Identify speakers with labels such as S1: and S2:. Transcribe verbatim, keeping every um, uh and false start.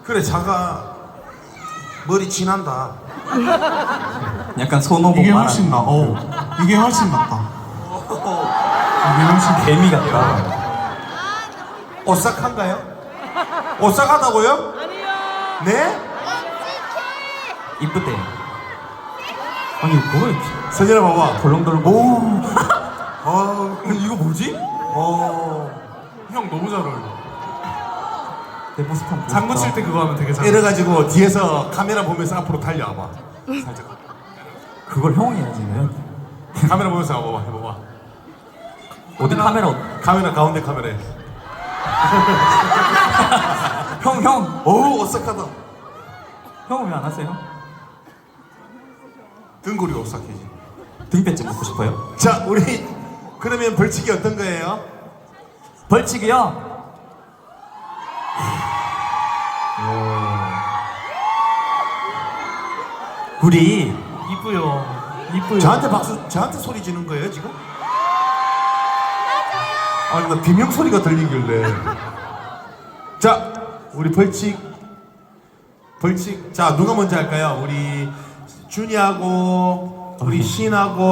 S1: 그래 자가 머리 진한다.
S2: 약간 손오공
S3: 이게
S2: 말하는
S3: 훨씬 나. 어, 이게 훨씬 낫다. 이게 훨씬
S2: 개미 같다.
S1: 오싹한가요? 오싹하다고요? 아니요. 네?
S2: 이쁘대. 아니 뭘
S1: 서진아 봐봐.
S2: 덜렁덜렁.
S1: 오. 아 이거 뭐지? 어.
S3: 형 너무 잘 어울려.
S2: 내 모습 한번
S3: 장구 칠 때 그거 하면 되게 잘 어울려.
S1: 이래가지고 뒤에서 카메라 보면서 앞으로 달려와봐. 살짝.
S2: 그걸 형이 해야지 왜?
S1: 카메라 보면서 와봐. 해봐봐.
S2: 어디 카메라?
S1: 카메라 가운데 카메라에.
S2: 형 형.
S1: 어우 오싹하다.
S2: 형은 왜 안 하세요?
S1: 등골이 오싹해지.
S2: 등뼈 좀 먹고 싶어요?
S1: 자 우리 그러면 벌칙이 어떤 거예요?
S2: 벌칙이요? 우리
S3: 이쁘요. 이쁘요.
S1: 저한테 박수, 저한테 소리 지는 거예요 지금? 맞아요. 아니 나 비명 소리가 들리길래. 자 우리 벌칙, 벌칙. 자 누가 먼저 할까요? 우리 준이하고 우리 신하고.